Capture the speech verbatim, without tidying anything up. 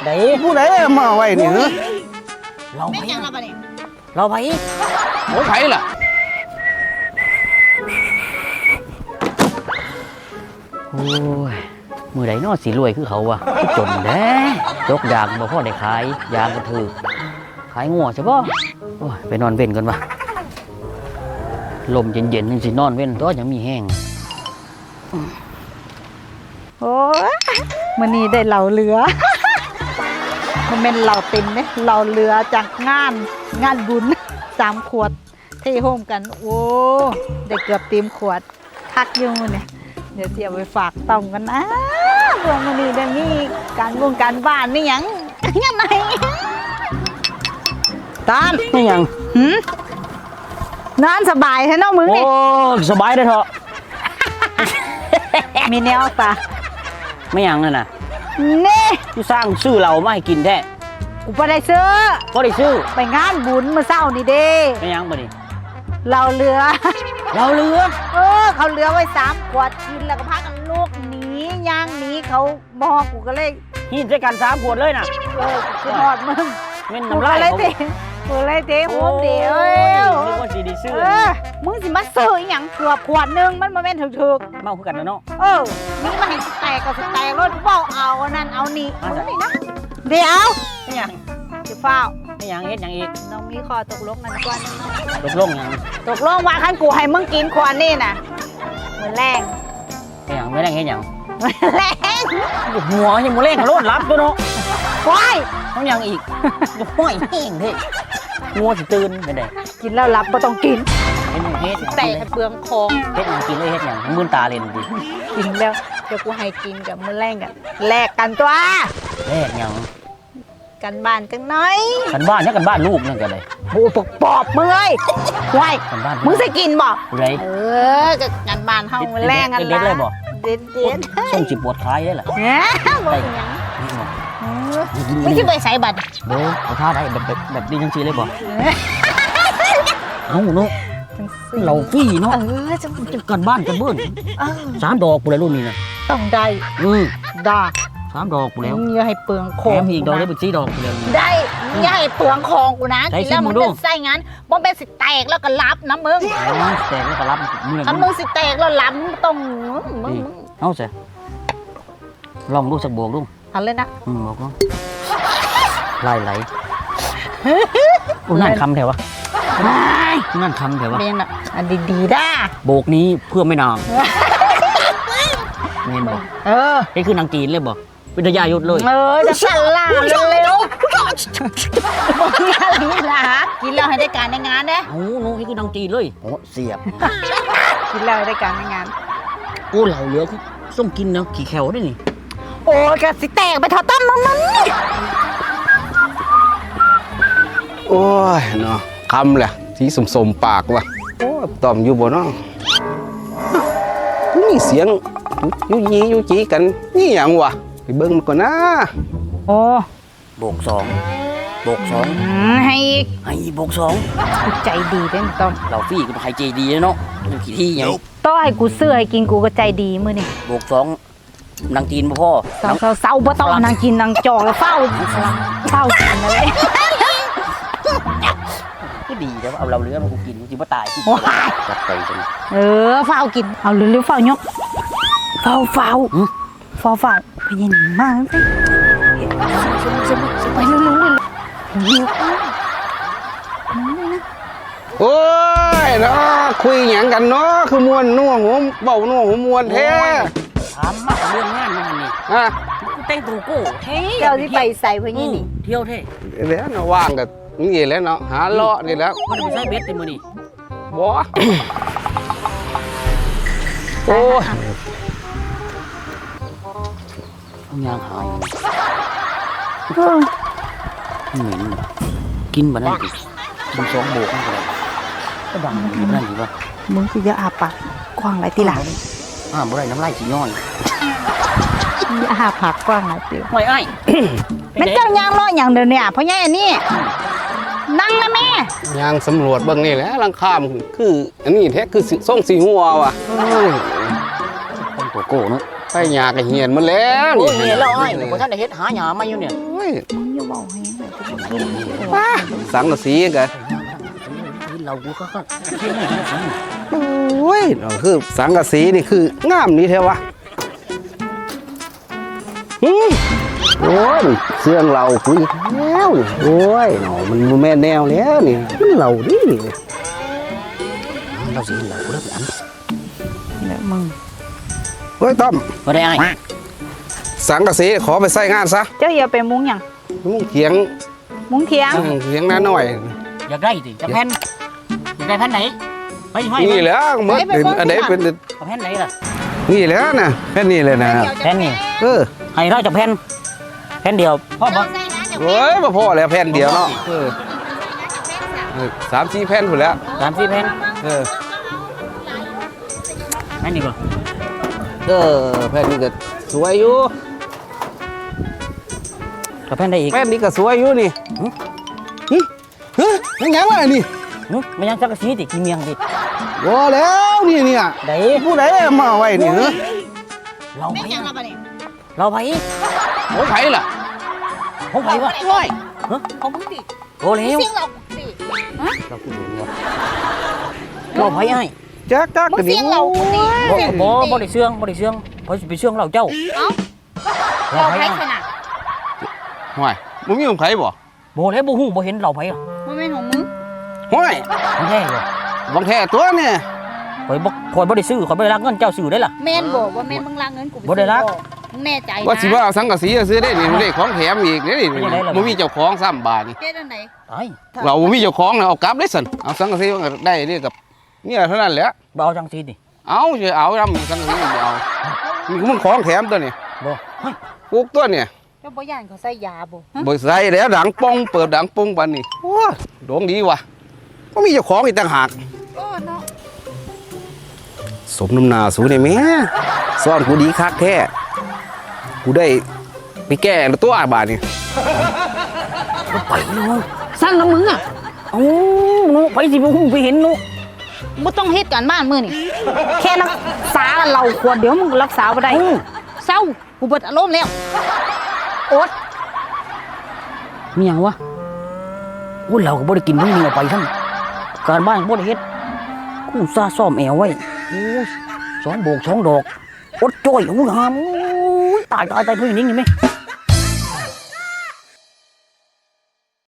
ไหนผู้ใดมาไว้นี่เหรอเราไม่ไปยังเราไปเนี่ยเราไปโอ้ไผล่ะโอ้ยมือใดนอสีรวยคือเขาวะจนแด้ยกยางบ่พ่อได้ขายยางก็ถือขายงัวใช่ป่ะโอ้ยไปนอนเว้นกันวะลมเย็นๆนึงสินอนเว้นตัวยังมีแห้งโอ้ยมันนี่ได้เหล่าเรือ มันเป็นเหล่าเต็มเนี่ยเหล่าเรือจากงานงานบุญสามขวดเทโฮมกันโอ้ได้เกือบเต็มขวดคักอยุ่งเนี่ยเดี๋ยวเสียไปฝากต่อมกันนะพวกมันนี่ได้มีการวงการบ้านนี่ยังยังไงตอนไม่ยังหืมนอนสบายใช่น้องมึงโอ้นี่สบายได้เถอะมีแนวปะไม่ยังเลยนะนี่ที่สร้างซื้อเรามาให้กินแท้กูไปได้ซื้อก็ได้ซื้อไปงานบุญเมื่อเช้านี่เด้ไม่ยังบ่นี่เราเรือเราเรือเออเขาเรือไว้สามขวดกินแล้วก็พากันลูกหนีย่างหนีเขาบอกกูก็เลยหินใส่กันสามขวดเลยน่ะเออคือหอดมึงเม่นกูน้ำก็ลายเลยเขาเตะกูเลยเตะหัวเดียวนึกว่าสีดีซื้อเออมึงสิมาซื้ออหย่างเกือบขวดหนึงมันมาแม่นถึกเมาคือกันนะเนาะๆเออนี่มาให้สแตกก็สแตกรถเฝ้าเอาอันนั่นเอานี่อ่ะมึงนี่นะเดี๋ยวไม่ยังจะเฝ้าไม่ยังเฮ็ดหยังอีกน้องมีคอตกลงกันก่อนตกลงหยังตกลงว่าคันกูให้มึงกินขวดนี่น่ะเหมือนแรงไม่ยังไม่ได้เฮ็ดหยังแรงหัวยังบ่เล่งรถรับตัวเนาะว้ายต้องยังอีกห้อยแห้งเด้งัวสิตื่นไปได้กินแล้วรับก็ต้องกินเฮ็ดหยังเฮ็ดแต่ให้เปลืองคองเฮ็ดหยังกินเลยเฮ็ดหยังมื่นตาเล่นดิกินแล้วเดี๋ยวกูให้กินกับมือแรงกันแลกกันตัวเฮ็ดหยังกันบ้านจังน้อยกันบ้านเนี่ยกันบ้านลูกนั่นกันเลยโอ้ปกปอบมึงเอ้ยว้ายกันบ้านมึงจะกินบ่ไรเออกับกันบ้านเฮามือแรงกันเด็ดเลยบ่เด็ดเด็ดส่งจิบปวดคลายได้เหรอแหมบ่เป็นหยังนี่บ่เออไม่ใช่ไปใส่บัตรเด้อเอาท่าได้แบบแบบแบบนี้จังซี่เลยบ่เอ้าเนาะจังซี่เราฟรีเนาะเออจังจะกันบ้านกันเบิ้นเออสามดอกกูเลยรุ่นนี้นะต้องได้อือได้สามดอกกูแล้วมึงอย่าให้เปลืองขแถองมอีกดอกได้เป็นสี่ดอกกูแล้วได้มึงอย่าให้เปลืองของกูนะใส่กินแล้วซิมมึมึงงดูจะใส่งานบ่เป็นสิแตกแล้วก็รับนะมึงอ๋อแต่ก็รับมือถ้ามึงสิแตกแล้วรับมึงต้องมึงมึงนี่เอาซะลองดูสักบวกดูเอาเลยนะอืมบอกลองไหลไหลอุ้นั่นคำแถววะนั่นคำแถววะเรียนอ่ะอันดีๆด้าโบกนี้เพื่อไม่นางเห็นบ่เออนี่คือนางจีนเลยบ่เป็นทายายุทธเลยเออจะสั่นล่าเร็วๆบอกนี่อะไรนี่ล่ะกินแล้วให้ได้การในงานเด้โอ้โหนี่คือนางจีนเลยโอ้เสียบกินแล้วให้ได้การในงานโอ้เหล่าเหลือคือส้มกินเนาะขี่แขวได้นี่โอ้ยกะสิแตกไปเท่าต้มมันมันโอ้ยเนาะคำแหละสีสมๆปากว่ะโอ้ยตอมอยู่บ่เนาะนี่เสียงยุยียุจีกันนี่หยังวะไปเบิ่งมันก่อนนะโอ้โบกสองโบกสองให้อีกให้โบกสองกูใจดีเด้ต้อมเราฟรีก็ต้องให้ใจดีเนาะอยู่กี่ที่ยังต้อให้กูเสื้อให้กินกูก็ใจดีมื้อนี่โบกสองนางจีนบ่พ่อเศร้าเศร้าเศร้าบ่ต้องนางกินนางจอกแล้วเฝ้าเฝ้ากินอะไรก็ดีแต่ว่าเอาเราเหลือมากูกินจริงว่าตายที่จัดไปจังเออเฝ้ากินเอาเร็วๆเฝ้ายกเฝ้าเฝ้าเฝ้าเฝ้าไปยินมากสิไปเร็วๆเร็วเร็วโอ้ยเนาะคุยหยังกันเนาะคือมวนนัวหัวเบานัวหัวมวนแท้ถามมากเรื่องงานมันนี่อ่ะกูแต่งตัวกูเท่เจ้าที่ไปใส่พะนี่นี่เที่ยวเท่แล้วเนาะว่างกับนี่แหล้วเนาะหาเลาะนี่แล้วมันไม่ใช่เบ็ดติมือนี่บ่ โอ้ยเอายางหายเหม็นกินบะนั่นดิมึงสองโบกนั่นก็ได้ก็ดังแบบนั่นดีวะมึงคืออย่าอาปากกว้างไรตีหลังอ่าบ่ได้น้ำลายสีย่อยอย่าอาปากกว้างไรตีไม่ไอ้มันเจ้ายางล้ออย่างเดียวเนี่ยเพราะงี้อันนี้นั่งนะแม่ยางสำรวจเบิ่งนี่แหละลังข้ามคืออันนี้แท้คือส่งสีหัวว่ะเอ้ยแต่งตัวโก้เนาะไปหยากับเหียนมันแล้วโอ้ยเห็นแล้วไอ้เดี๋ยวพอท่านได้เฮ็ดหาหยามาอยู่เนี่ยโอ้ยมึงอย่าเว้าให้เลยป้าสังกะสีกันเรากูก็ก็เที่ยงนี่สิโอ้ยเนาะคือสังกะสีนี่คืองามนี่แท้วะหืมโอ้ยเสื่องเราคุยแล้วนี่โอ้ยเนาะมันบ่แม่นแนวแล้วนี่มันเราดิเราสิเห็นเรากูได้อันแล้วมึงเฮ้ยต้อมบ่ได้ไอ้สังกะสีขอไปใส่งานซะเจ้าอย่าไปมุ้งหยังมุ้งเถียงมุ้งเถียงเถียงน้าหน่อยอยากได้สิจะแผ่นอยากได้แผ่นไหนไปให้นี่แหละหมดเป็นอันไหนเป็นเอาแผ่นไหนล่ะนี่แหละนะแค่นี้เลยนะแผ่นนี่เออให้เราจะแผ่นแผ่นเดียวพ่อบ่โอ้ยมาพอแล้วแผ่นเดียวเนาะเออเออสามสี่แผ่นหมดแล้วสามสี่แผ่นเออแผ่นนี้ก่อนเออแผ่นนี้ก็สวยอยู่กับแผ่นได้อีกแผ่นนี้ก็สวยอยู่นี่หึเฮ้ยยังไงวะนี่หึไม่ยังสักกะสีติกี่เมียงดิว้าแล้วนี่เนี่ยได้ผู้ใดมาไว้นี่เหรอเราไปเราไปโอ้ไผล่ะผมไปวะร้อยของมึงดิโอ้แล้วเสียงเราดิเราพูดอยู่เนี่ยเราไปไอ้จักจักมึงเสียงเราดิบ่บ่บ่ได้เชื่องบ่ได้เชื่องเพราะสิไปเชื่องเราเจ้าเอ้าเราเราไปใครไอ้ขนาดห่วยมึงมีของไผบ่บ่แล้วบ่ฮู้บ่เห็นเราไปอ่ะมันเป็นของมึงห่วยมันแท้บ่บังแท้ตัวเนี่ยข่อยบ่ข่อยบ่ได้ซื้อข่อยบ่ได้รักเงินเจ้าซื้อได้ล่ะแม่นบอกว่าแม่นมึงลากเงินกูบ่ได้รักมึงแน่ใจนะว่าสิว่าเอาสังกะสีซื้อได้นี่ได้ของแถมอีกนี่นี่เป็นยังไงล่ะมันมีเจ้าของซ้ำบาทนี่เจ๊อันไหนไอ้เราบ่มีเจ้าของนะเอากลับได้สั่นเอาสังกะสีมันก็ได้นี่กับเนี่ยเท่านั้นแหละบ่เอาจังซี่ดิเอาจะเอาทำสังกะสีมันบ่เอานี่มันของแถมตัวนี่บ่เฮ้ยปลูกตัวเนี่ยเจ้าบ่ย่านเขาใส่ยาบ่ฮะบ่ใส่แล้วดังปองเปิดดังปองปานนี้โอ้ยดวงดีว่ะก็มีเจ้าของอีกต่างหากโอ้เนาะสมน้ำหนาสูนี่แม่ซ่อนกูดีคักแท้กูได้ไปแก้ตัวบาทนี่บ่ไปเนาะสั่งน้ำมึงอ่ะเอ้าหนูไปสิบ่ฮู้ไปเห็นหนูบ่ต้องเฮ็ดการบ้านมื้อนี่แค่รักษาเราขวดเดี๋ยวมึงก็รักษาบ่ได้เศร้ากูเบิดอารมณ์แล้วอดมีหยังวะโอ้ยเราก็บ่ได้กินมื้อนี้เอาไปซั่นการบ้านบ่ได้เฮ็ดกูซาซ่อมแอวไว้โอ้ยสองโบกสองดอกอดจ้อยโอ้ยหามโอ้ยตายตายตายเพิ่นนิ่งนี่แม่